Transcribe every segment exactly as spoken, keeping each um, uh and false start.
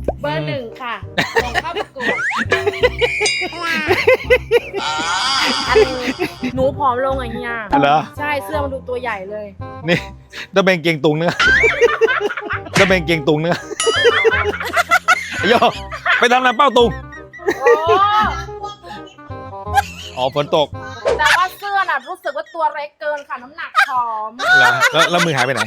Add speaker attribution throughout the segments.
Speaker 1: เบอร์หนึ่งค่ะลงเข้าประกวดอันหนูผอมลงอ่ะเฮียเหรอใช่เสื้อมันดูตัวใหญ่เลย
Speaker 2: นี่ต้องเป็นเกงตุงเนื้อต้องเป็นเกงตุงเนื้อโยไปทำอะไรเป้าตุงอ๋อฝนตก
Speaker 1: แต่ว่าเสื้อน่ะรู้สึกว่าตัวเล็กเกินค่ะน้ำหนักผอม
Speaker 2: แล้วแล้วมือหายไปไหน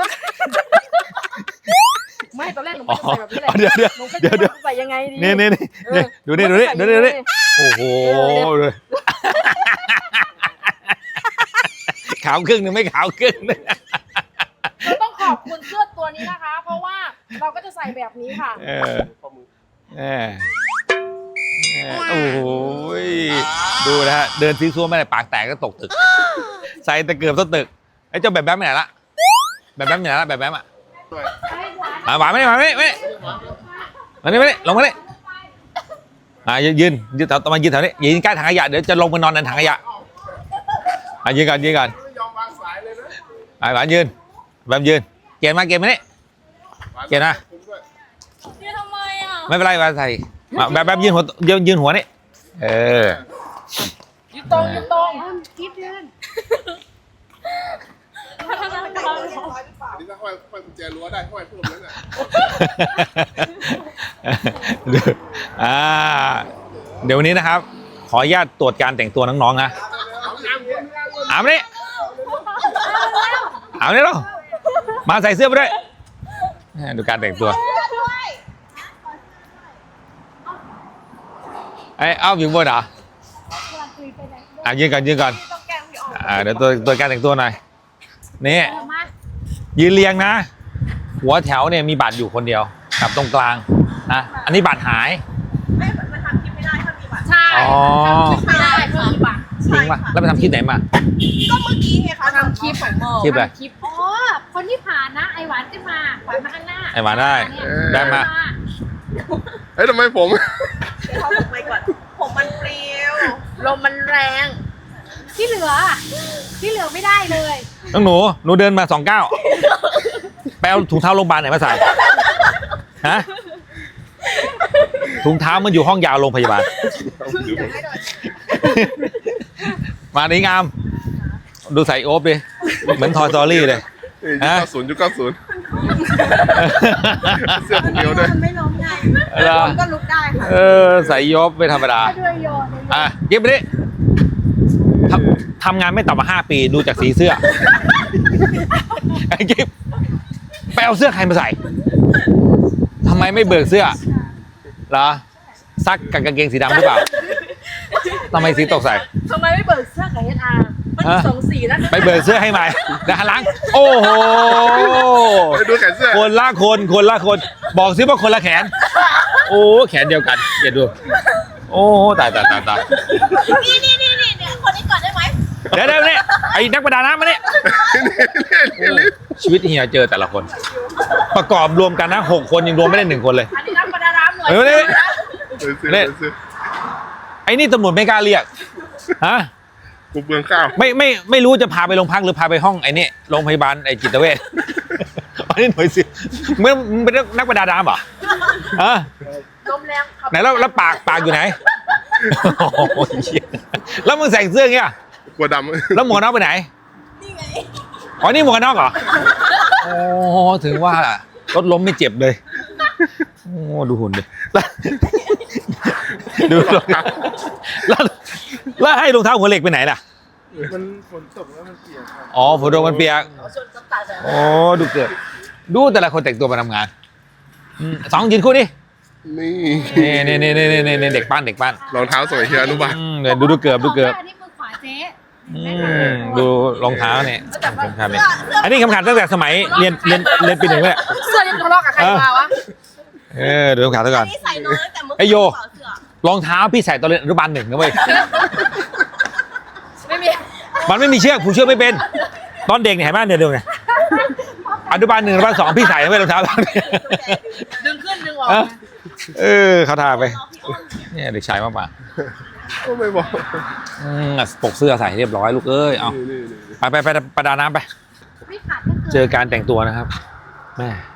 Speaker 1: ไม่ตอนแรกหนูไม่ใส่แบบนี้เลย
Speaker 2: เดี๋ยวเดี๋ยวเดี๋ยวเดี๋ยว
Speaker 1: ใส่ยังไงดี
Speaker 2: นี่นี่นี่ดูนี่ดูนี่ดูนี่ดูนี่โอ้โหขาวครึ่งนึงไม่ขาวครึ่งนึง
Speaker 1: เราต้องขอบคุณเสื้อตัวนี้นะคะเพราะว่าเราก็จะใส่แบบนี้ค่ะ
Speaker 2: เออเออโอ้โหดูนะฮะเดินซีซัวไม่ได้ปากแตกก็ตกตึกใส่ตะเกียบต้นตึกไอ้เจ้าแบบแบบไหนละแบบแบบไหนละแบบแบบอ่ะหวานไม่ได้หวานไม่ไม่มานี่ไม่ได้ลงมาเลยอ่ะยืนยืนต่อมายืนแถวนี้ยืนใกล้ถังขยะเดี๋ยวจะลงไปนอนในถังขยะอ่ะยืนก่อนยืนก่อนไอ้หวานยืนแบบยืนเกณฑ์มาเกณฑ์มานี่เกณฑ์นะ
Speaker 1: ยืนทำไมอ่ะ
Speaker 2: ไม่เป็นไรมาใส่แบบแบบยืนหัวยืนยืนหัวนี่เออ
Speaker 1: ยืนตรงยืนตรงคิดยืน
Speaker 3: นี่ถ้าห้อยห้อยกุญแจรั้วได้ห้อยเพิ่มแล้วเนี่ย
Speaker 2: อ่าเดี๋ยววันนี้นะครับขออนุญาตตรวจการแต่งตัวน้องๆนะอาบนี่อาบนี่หรอมาใส่เสื้อไปด้วยดูการแต่งตัวไอ้เอาอยู่บนเหรออ่ะยืนก่อนยืนก่อนอ่าเดี๋ยวตัวตัวการแต่งตัวหน่อยนี่ยืนเรียงนะหัวแถวเนี่ยมีบัตรอยู่คนเดียวกับตรงกลางนะอันนี้บัตรหาย
Speaker 1: ไม่มันทำคลิปไม่ได้ถ้ามีบัตรใช่ทำคลิปไม่ได้ถ้ามีบัตร
Speaker 2: จริงป่ะแล้วไปทำคลิปไหนมา
Speaker 1: ก็เมื่อกี้ไงคะทำคลิปของโม
Speaker 2: คลิปอะไร
Speaker 1: คลิปอ๋อคนที่ผ่านนะไอหวานขึ้นมาหวานมาข้างหน้า
Speaker 2: ไอหวานได้ได้มา
Speaker 3: เฮ้ยทำไมผม
Speaker 1: เขาผมไปก่อนผมมันเปรี้ยวลมมันแรงที่เหลือที่เหลือไม่ได้เลย
Speaker 2: น้องหนูหนูเดินมาสองเก้าไปเอาถุงเท้าโรงพยาบาลไหนมาใส่ฮะถุงเท้ามันอยู่ห้องยาวโรงพยาบาลมาดีงามดูใส่โอ๊บดิเหมือนทอยสตอรี่เลย
Speaker 3: ยุคเก้าศูนย์ยุคเก้าศูนย์เสื้อผมเดียวด้วย
Speaker 1: ไม่ล้มไงก็ลุกได้ค่ะ
Speaker 2: เออใส่ยบไม่ธรรมดาอ่ะยิบไปดิทำงานไม่ต่ำกว่าห้าปีดูจากสีเสื้อไอ้กิฟไปเอาเสื้อใครมาใส่ทำไมไม่เบิกเสื้อเหรอซักกับกางเกงสีดำหรือเปล่าทำไมสีตกใส่
Speaker 1: ทำไมไม่เบิกเสื้อกับเอสอาร์มันมีสองสีนะ
Speaker 2: ไปเบิกเสื้อให้ใหม่นะล้างโอ้โห
Speaker 3: ดูแขนเสื้อ
Speaker 2: คนละคนคนละคนบอกซิว่าคนละแขนโอ้แขนเดียวกันเดี๋ยวดูโอ้ตายตายตายตาย
Speaker 1: นี่นี่นี่นี่เนี่ยคนนี้ก่อนได้ไหม
Speaker 2: เดี๋ยวเดี๋ยวนี่ไอ้นักประดาน้ำมาเนี่ยชีวิตเฮียเจอแต่ละคนประกอบรวมกันนะหกคนยังรวมไม่ได้หนึ่งคนเลย
Speaker 1: อันนี้นักประดาน้ำหน่อย
Speaker 2: เฮ้ยเนี่ยไอ้นี่ตำรวจไม่กล้าเรียกฮะ
Speaker 3: กูเบืองข้าว
Speaker 2: ไม่ไม่ไม่รู้จะพาไปโรงพักหรือพาไปห้องไอ้นี่โรงพยาบาลไอ้จิตเวชอันนี้หน่อยสิมึงเป็นนักประดาน้ำเหรอฮะ
Speaker 1: ลมแรง
Speaker 2: ไหนแล้วแล้วปากปากอยู่ไหนแล้วมึงใส่เสื้อเงี้ย
Speaker 3: กลัวดำ
Speaker 2: แล้วหมวกนอกไปไหน
Speaker 1: นี่ไง
Speaker 2: อ๋อนี่หมวกนอกเหรอโอ้ถึงว่ารถล้มไม่เจ็บเลยโอ้ดูหุ่นดิดูรองเท้าแล้วแล้วให้รองเท้าหัวเหล็กไปไหนล่ะ
Speaker 3: มันฝนตกแล้วมันเปียก
Speaker 2: อ๋อฝนตกมันเปียกโอ้ดูเกิดดูแต่ละคนแต่งตัวมาทำงานสองยืนคู่ดินี่นี่นี่นี่นี่นี่เด็กปั้นเด็กปั้น
Speaker 3: รองเท้าสวยเชียวอนุบาล
Speaker 2: เนี่ยดูดูเกือบดูเกือบ
Speaker 1: นี่มือขวาเจ๊
Speaker 2: ดูรองเท้าเนี่ยสำคัญเนี่ยอันนี้คำขันตั้งแต่สมัยเรียนเรียนเรียนปีหนึ่งเลย
Speaker 1: เสื้อยังทะเลาะกับใครมาวะ
Speaker 2: เออดูคำขันซะก่อนไอโยรองเท้าพี่ใส่ตอนเรียนอนุบาลหนึ่งนะเว้ย
Speaker 1: ไม่มี
Speaker 2: มันไม่มีเชือกผูกเชือกไม่เป็นตอนเด็กเนี่ยเห็นไหมเนี่ยเดียวไงอนุบาลหนึ่งอนุบาลสองพี่ใส่ไม่รองเท้า
Speaker 1: ดึงขึ้นดึงออก
Speaker 2: เออเขาทาไปเนี่ยเด็กชายมากป่ะ
Speaker 3: ก็ไม่บอก
Speaker 2: ปกเสื้อใส่เรียบร้อยลูกเอ้ยเอาไปไปไปประดาน้ำไปเจอการแต่งตัวนะครับแม่